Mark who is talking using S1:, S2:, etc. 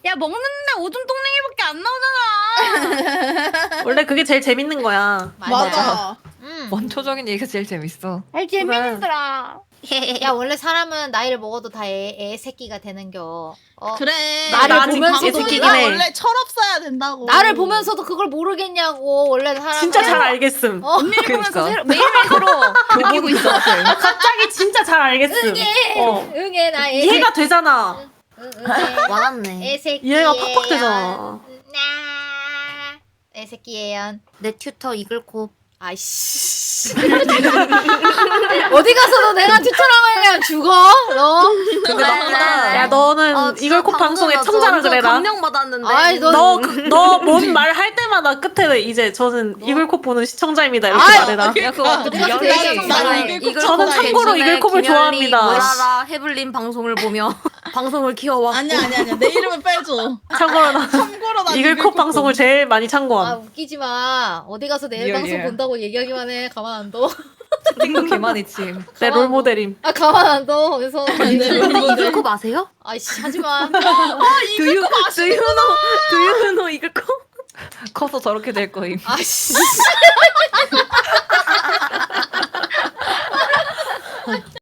S1: 야 먹는데 오줌 똥냉이밖에 안 나오잖아.
S2: 원래 그게 제일 재밌는 거야.
S3: 맞아.
S4: 원초적인 얘기가 제일 재밌어.
S1: 알 재밌더라.
S5: 야 원래 사람은 나이를 먹어도 다 애 새끼가 되는겨.
S3: 그래.
S5: 나를
S2: 나 아직
S5: 보면서도
S2: 애새끼긴 해.
S3: 원래 철없어야 된다고.
S5: 나를 보면서도 그걸 모르겠냐고. 원래 사람
S2: 진짜 잘 알겠음.
S1: 언니를 보면서
S4: 그러니까.
S1: 매일매일 새로
S4: 느끼고 있어.
S2: 갑자기 진짜 잘 알겠음.
S5: 응애 나 애.
S2: 이해가 되잖아.
S5: 응애.
S6: 와닿네.
S5: 애 새끼.
S2: 이해가 팍팍 되잖아.
S5: 애 새끼예요.
S6: 내 튜터 이글콥.
S5: 아이씨. 어디 가서도 내가 튜터라고 하면 죽어. 너.
S4: 근데 맞다.
S2: 야 너는 이글콥 방송에 청자라 그래라.
S6: 감명 받았는데.
S5: 아이, 너-
S2: 너 뭔 말 할 때마다 끝에 이제 저는 이글콥 보는 시청자입니다 이렇게
S3: 아유,
S2: 말해라.
S4: 야 그거
S5: 그래서
S4: 미연이
S3: 나는
S6: 이글콥
S2: 저는 참고로
S6: 괜찮네.
S2: 이글콥을
S6: 김연리,
S2: 좋아합니다.
S6: 모라라 해블린 방송을 보며 방송을 키워왔고.
S3: 아니야. 내 이름은 빼줘.
S2: 참고로 나
S3: 참고로 나
S2: 이글콥 방송을 제일 많이
S5: 아
S2: 참고함.
S5: 웃기지 마. 어디 가서 내
S4: 리얼,
S5: 방송
S4: 리얼.
S5: 본다고 얘기하기만 해. 가만 안 둬.
S4: 띵도 개많이 침.
S2: 내 롤모델임.
S5: 아 가만 안 둬. 그래서
S6: 이글콥 아세요?
S5: 아이씨 하지 마.
S6: 두유 know 이글콥?
S4: 커서 저렇게 될 거임.
S5: 아이씨.